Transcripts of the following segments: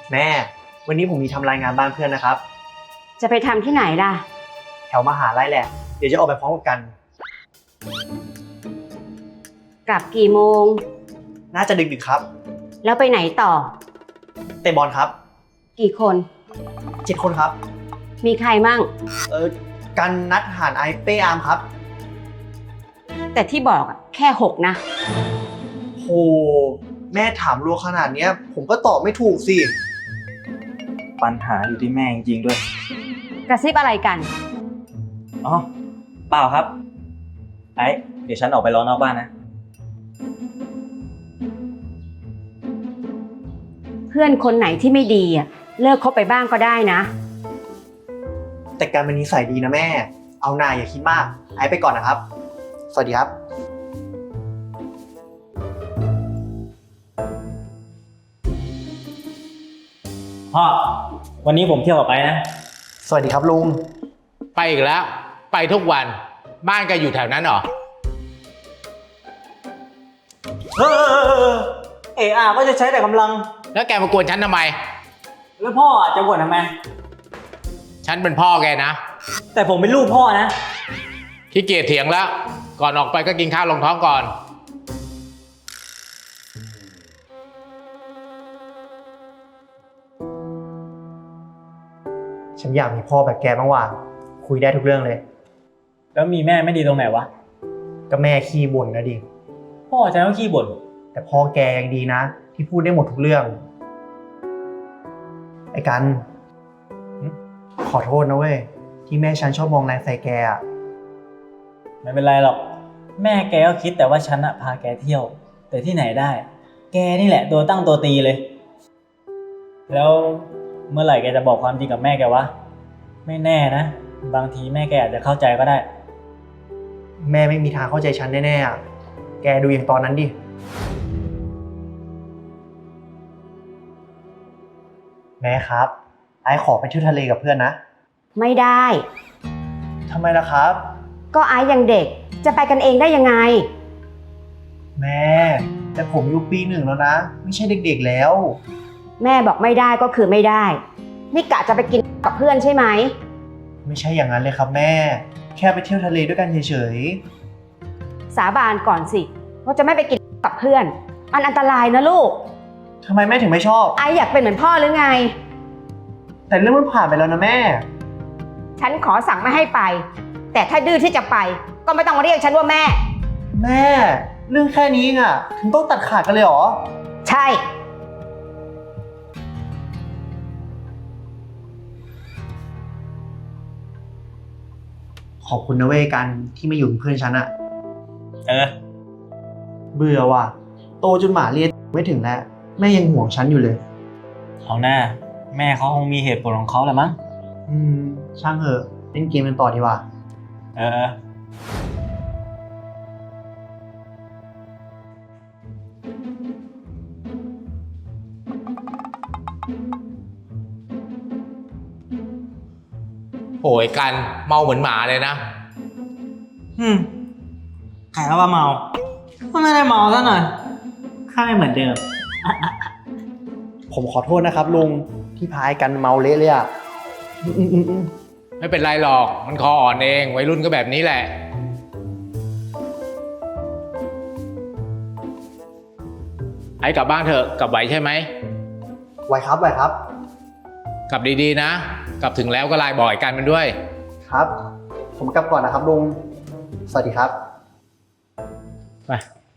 แม่วันนี้ผมมีทำรายงานบ้านเพื่อนนะครับจะไปทำที่ไหนล่ะแถวมหาลัยแหละเดี๋ยวจะออกไปพร้อมกันกลับกี่โมงน่าจะดึกๆครับแล้วไปไหนต่อเตะบอลครับกี่คน 7 คนครับมีใครมั่งกันนัดหานไอเป้อาร์มครับแต่ที่บอกแค่6นะโหแม่ถามรัวขนาดนี้ผมก็ตอบไม่ถูกสิปัญหาอยู่ที่แม่จริงๆด้วยกระซิบอะไรกันอ๋อเปล่าครับเดี๋ยวฉันออกไปรอนอกบ้านนะเพื่อนคนไหนที่ไม่ดีเลิกคบไปบ้างก็ได้นะแต่การเป็นนิสัยดีนะแม่เอาหน่าอย่าคิดมากไอไปก่อนนะครับสวัสดีครับพ่อวันนี้ผมเที่ยวกับไปนะสวัสดีครับลุงไปอีกแล้วไปทุกวันบ้านแกอยู่แถวนั้นเหรอก็จะใช้แต่กำลังแล้วแกมากวนฉันทำไมแล้วพ่อจะบ่นทำไมฉันเป็นพ่อแกนะแต่ผมเป็นลูกพ่อนะขี้เกียจเถียงแล้วก่อนออกไปก็กินข้าวลงท้องก่อนฉันอยากมีพ่อแบบแกบ้างว่ะคุยได้ทุกเรื่องเลยแล้วมีแม่ไม่ดีตรงไหนวะก็แม่ขี้บ่นนะดิพ่อฉันก็ขี้บ่นแต่พ่อแกยังดีนะที่พูดได้หมดทุกเรื่องไอ้กันขอโทษนะเว้ยที่แม่ฉันชอบมองแรงใส่แกอ่ะไม่เป็นไรหรอกแม่แกก็คิดแต่ว่าฉันพาแกเที่ยวแต่ที่ไหนได้แกนี่แหละตัวตั้งตัวตีเลยแล้วเมื่อไหร่แกจะบอกความจริงกับแม่แกวะไม่แน่นะบางทีแม่แกอาจจะเข้าใจก็ได้แม่ไม่มีทางเข้าใจฉันแน่ๆอ่ะแกดูอย่างตอนนั้นดิแม่ครับไอ้ขอไปเที่ยวทะเลกับเพื่อนนะไม่ได้ทำไมล่ะครับก็ไอ้ยังเด็กจะไปกันเองได้ยังไงแม่แต่ผมอยู่ปี 1แล้วนะไม่ใช่เด็กๆแล้วแม่บอกไม่ได้ก็คือไม่ได้นี่กะจะไปกินกับเพื่อนใช่ไหมไม่ใช่อย่างนั้นเลยครับแม่แค่ไปเที่ยวทะเลด้วยกันเฉยๆสาบานก่อนสิว่าจะไม่ไปกินกับเพื่อนมันอันตรายนะลูกทำไมแม่ถึงไม่ชอบไออยากเป็นเหมือนพ่อหรือไงแต่เรื่องมันผ่านไปแล้วนะแม่ฉันขอสั่งไม่ให้ไปแต่ถ้าดื้อที่จะไปก็ไม่ต้องมาเรียกฉันว่าแม่แม่เรื่องแค่นี้อ่ะถึงต้องตัดขาดกันเลยเหรอใช่ขอบคุณนะเว้ยกันที่มาอยู่เป็นเพื่อนฉันอะเบื่อว่ะโตจนหมาเรียนไม่ถึงแล้วแม่ยังห่วงฉันอยู่เลยเอาหน้าแม่เขาคงมีเหตุผลของเขาแหละมั้งช่างเถอะเล่นเกมกันต่อดีกว่าโหยกันเมาเหมือนหมาเลยนะใครว่าเมาก็ไม่ได้เมาซะหน่อยข้าไม่เหมือนเดิมผมขอโทษนะครับลุงที่พายกันเมาเละเลยอ่ะไม่เป็นไรหรอกมันคออ่อนเองวัยรุ่นก็แบบนี้แหละไอ้กลับบ้านเถอะกลับไหวใช่ไหมไหวครับไหวครับกลับดีๆนะกลับถึงแล้วก็ไลน์บอกกันมันด้วยครับผมกลับก่อนนะครับลุงสวัสดีครับไป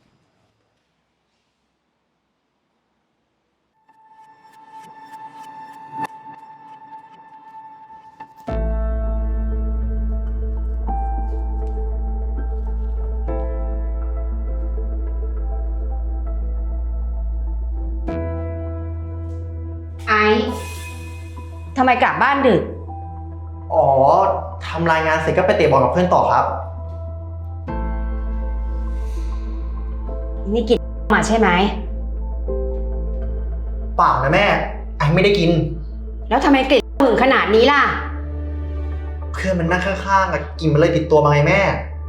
ไอ้ทำไมกลับบ้านดึกอ๋อทำรายงานเสร็จก็ไปเตะบอลกับเพื่อนต่อครับนี่กินมาใช่ไหมเปล่านะแม่ไอ้ไม่ได้กินแล้วทำไมกลิ่นหึงขนาดนี้ล่ะเพื่อนมันนั่งข้างๆกินมันเลยติดตัวมาไงแม่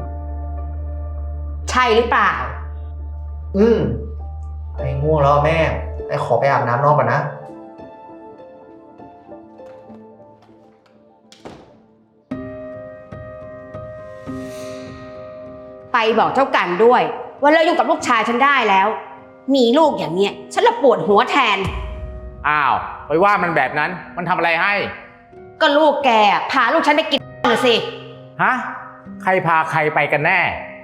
ใช่หรือเปล่าไอ้ง่วงแล้วแม่ไอ้ขอไปอาบน้ำนอกก่อนนะบอกเจ้ากันด้วย ว่าเลิกยุ่งกับลูกชายฉันได้แล้ว มีลูกอย่างเนี้ยฉันละปวดหัวแทนอ้าว ไปว่ามันแบบนั้น มันทำอะไรให้ก็ลูกแกพาลูกฉันไปกินน่ะสิฮะ ใครพาใครไปกันแน่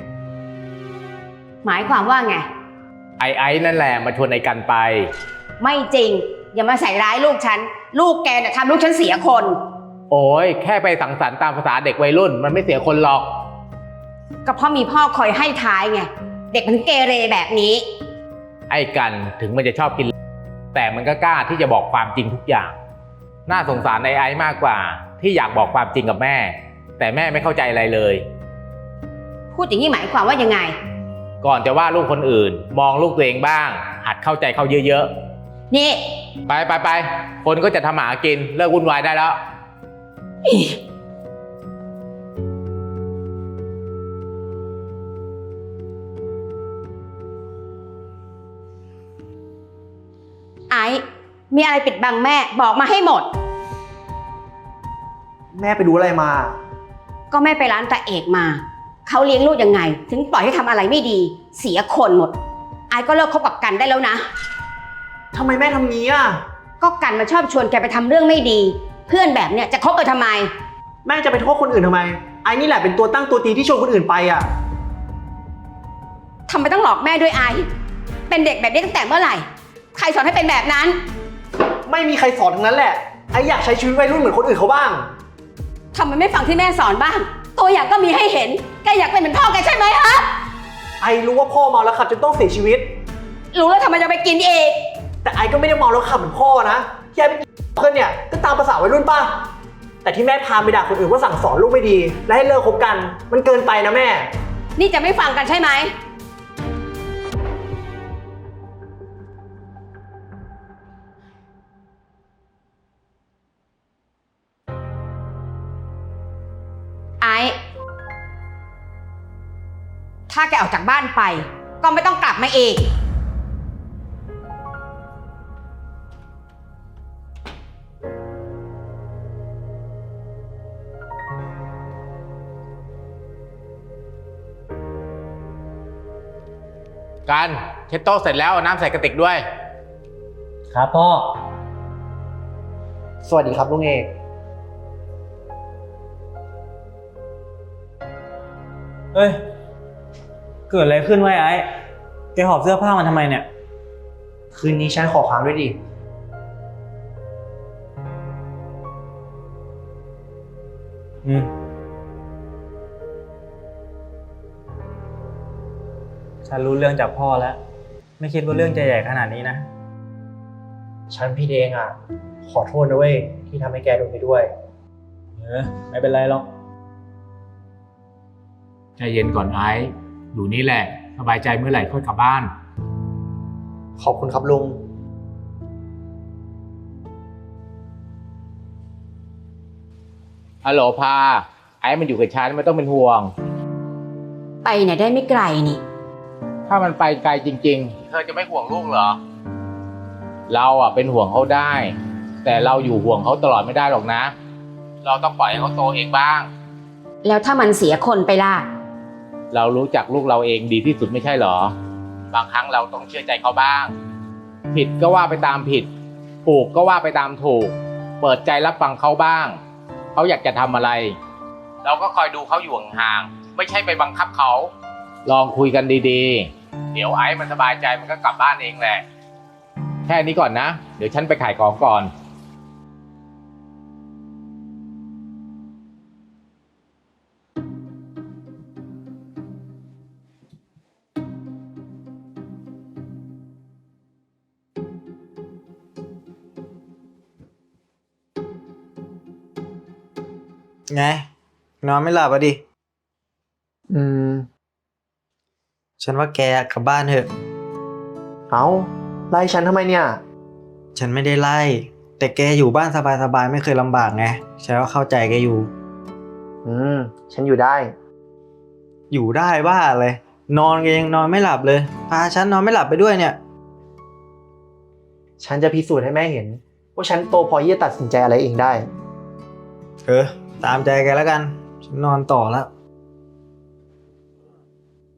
หมายความว่าไงไอ้นั่นแหละมาชวนไอ้กันไปไม่จริง อย่ามาใส่ร้ายลูกฉัน ลูกแกน่ะทำลูกฉันเสียคนโอ้ยแค่ไปสังสรรค์ตามภาษาเด็กวัยรุ่น มันไม่เสียคนหรอกก็เพราะมีพ่อคอยให้ท้ายไง เด็กมันเกเรแบบนี้ไอ้กันถึงมันจะชอบกิน แต่มันก็กล้าที่จะบอกความจริงทุกอย่าง น่าสงสารไอ้มากกว่า ที่อยากบอกความจริงกับแม่ แต่แม่ไม่เข้าใจอะไรเลยพูดอย่างนี้หมายความว่ายังไงก่อนจะว่าลูกคนอื่น มองลูกตัวเองบ้าง หัดเข้าใจเขาเยอะนี่ๆ ไป คนก็จะทำหากิน เลิกวุ่นวายได้แล้วไอ้มีอะไรปิดบังแม่บอกมาให้หมดแม่ไปดูอะไรมาก็แม่ไปร้านตาเอกมา เขาเลี้ยงลูกยังไง ถึงปล่อยให้ทำอะไรไม่ดี เสียคนหมด ไอ้ก็เลิกคบกับกันได้แล้วนะทำไมแม่ทำงี้อ่ะก็กันมาชอบชวนแกไปทำเรื่องไม่ดี เพื่อนแบบเนี้ยจะคบกันทำไมแม่จะไปโทษคนอื่นทำไม ไอ้นี่แหละเป็นตัวตั้งตัวตีที่ชวนคนอื่นไปอ่ะทำไมต้องหลอกแม่ด้วยไอ้เป็นเด็กแบบนี้ตั้งแต่เมื่อไหร่ ใครสอนให้เป็นแบบนั้นไม่มีใครสอนทั้งนั้นแหละ ไอ้อยากใช้ชีวิตวัยรุ่นเหมือนคนอื่นเขาบ้างทำไมไม่ฟังที่แม่สอนบ้าง ตัวอย่างก็มีให้เห็น แกอยากเป็นเหมือนพ่อแกใช่ไหมฮะไอ้รู้ว่าพ่อเมาแล้วขับจนต้องเสียชีวิตรู้แล้วทำไมจะไปกินอีกแต่ไอ้ก็ไม่ได้เมาแล้วขับเหมือนพ่อนะที่ไอ้ไปกินเพื่อนเนี่ยก็ตามภาษาวัยรุ่นป่ะ แต่ที่แม่พาไปด่าคนอื่นว่าสั่งสอนลูกไม่ดี และให้เลิกคบกัน มันเกินไปนะแม่นี่จะไม่ฟังกันใช่ไหม ไอ้ ถ้าแกออกจากบ้านไป ก็ไม่ต้องกลับมาอีกกันเช็ดโต๊ะเสร็จแล้วเอาน้ำใส่กระติกด้วยครับพ่อสวัสดีครับลุงเอกเอ้ย เกิดอะไรขึ้นวะไอ้แกหอบเสื้อผ้ามาทำไมเนี่ยคืนนี้ฉันขอค้างด้วยดิอืม ฉันรู้เรื่องจากพ่อแล้ว ไม่คิดว่าเรื่องจะใหญ่ขนาดนี้นะฉันพี่เองอ่ะ ขอโทษนะเว้ยที่ทำให้แกโดนไปด้วยไม่เป็นไรหรอกใจเย็นก่อนไอ้อยู่นี่แหละ สบายใจเมื่อไหร่ค่อยกลับบ้านขอบคุณครับลุงฮัลโหลพา ไอ้มันอยู่กับฉันไม่ต้องเป็นห่วงไปไหนได้ไม่ไกลนี่ถ้ามันไปไกลจริงๆ เธอจะไม่ห่วงลูกเหรอ เราอ่ะเป็นห่วงเขาได้ แต่เราอยู่ห่วงเขาตลอดไม่ได้หรอกนะ เราต้องปล่อยให้เขาโตเองบ้างแล้วถ้ามันเสียคนไปล่ะเรารู้จักลูกเราเองดีที่สุดไม่ใช่เหรอ บางครั้งเราต้องเชื่อใจเขาบ้าง ผิดก็ว่าไปตามผิด ถูกก็ว่าไปตามถูก เปิดใจรับฟังเขาบ้าง เขาอยากจะทำอะไร เราก็คอยดูเขาอยู่ห่างๆ ไม่ใช่ไปบังคับเขา ลองคุยกันดีๆ เดี๋ยวไอ้มันสบายใจมันก็กลับบ้านเองแหละ แค่นี้ก่อนนะ เดี๋ยวฉันไปขายของก่อนไง นอนไม่หลับอ่ะดิอืมฉันว่าแกกลับบ้านเถอะเอาไล่ฉันทำไมเนี่ยฉันไม่ได้ไล่ แต่แกอยู่บ้านสบายๆไม่เคยลำบากไง ฉันว่าเข้าใจแกอยู่ฉันอยู่ได้อยู่ได้บ้าเลย นอนแกยังนอนไม่หลับเลย พาฉันนอนไม่หลับไปด้วยเนี่ยฉันจะพิสูจน์ให้แม่เห็น ว่าฉันโตพอที่จะตัดสินใจอะไรเองได้ตามใจแกแล้วกัน ฉันนอนต่อแล้ว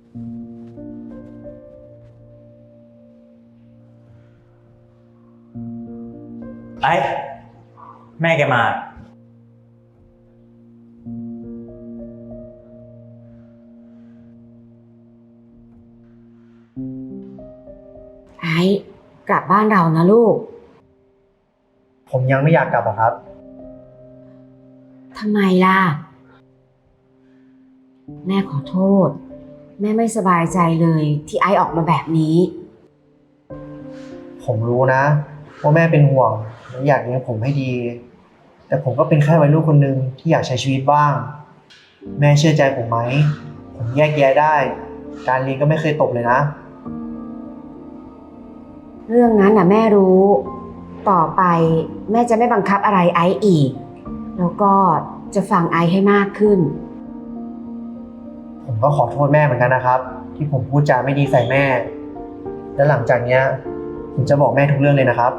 ไอ้แม่แกมาไอ้กลับบ้านเรานะลูกผมยังไม่อยากกลับอะครับทำไมล่ะ แม่ขอโทษ แม่ไม่สบายใจเลยที่ไอ้ออกมาแบบนี้ผมรู้นะว่าแม่เป็นห่วงและอยากเลี้ยงผมให้ดี แต่ผมก็เป็นแค่วัยรุ่นคนหนึ่งที่อยากใช้ชีวิตบ้าง แม่เชื่อใจผมไหม ผมแยกแยะได้ การเรียนก็ไม่เคยตกเลยนะเรื่องนั้นน่ะแม่รู้ ต่อไปแม่จะไม่บังคับอะไรไอ้อีก แล้วก็จะฟังไอ้ให้มากขึ้นผมก็ขอโทษแม่เหมือนกันนะครับ ที่ผมพูดจาไม่ดีใส่แม่ และหลังจากเนี้ยผมจะบอกแม่ทุกเรื่องเลยนะครับ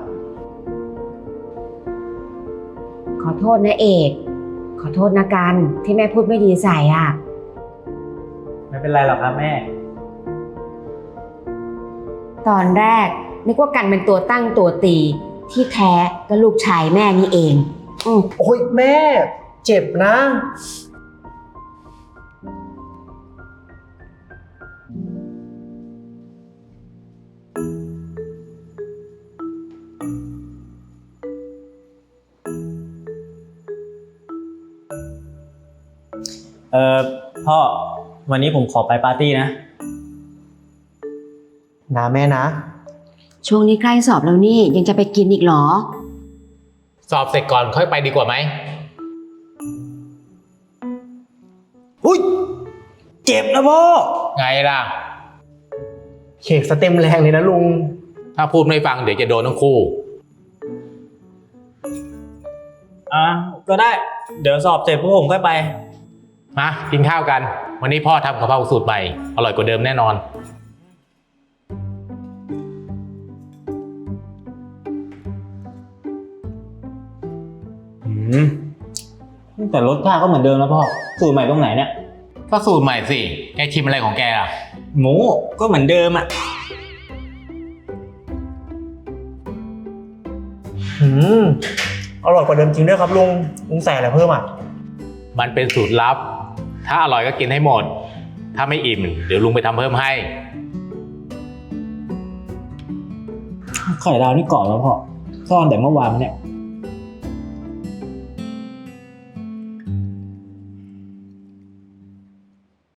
ขอโทษนะเอก ขอโทษนะกันที่แม่พูดไม่ดีใส่อ่ะไม่เป็นไรหรอกครับแม่ตอนแรกนึกว่ากันเป็นตัวตั้งตัวตีที่แท้ก็ลูกชายแม่นี่เองอืมโอ้ยแม่ เจ็บนะพ่อ วันนี้ผมขอไปปาร์ตี้นะนะแม่นะช่วงนี้ใกล้สอบแล้วนี่ยังจะไปกินอีกเหรอสอบเสร็จก่อนค่อยไปดีกว่าไหมอุ้ย เจ็บนะพ่อไงล่ะเขกสเต็มแรงเลยนะลุงถ้าพูดไม่ฟังเดี๋ยวจะโดนทั้งคู่ก็ได้ เดี๋ยวสอบเสร็จพวกผมค่อยไปมากินข้าวกัน วันนี้พ่อทำกะเพราสูตรใหม่ อร่อยกว่าเดิมแน่นอนแต่รสชาติก็เหมือนเดิมนะพ่อ สูตรใหม่ตรงไหนเนี่ยก็สูตรใหม่สิ แกชิมอะไรของแกล่ะหมูก็เหมือนเดิมอ่ะอร่อยกว่าเดิมจริงด้วยครับลุง ลุงใส่อะไรเพิ่มอ่ะมันเป็นสูตรลับ ถ้าอร่อยก็กินให้หมด ถ้าไม่อิ่มเดี๋ยวลุงไปทำเพิ่มให้ไข่ดาวนี่กรอบแล้วพ่อซ่อนแต่เมื่อวานมาเนี่ย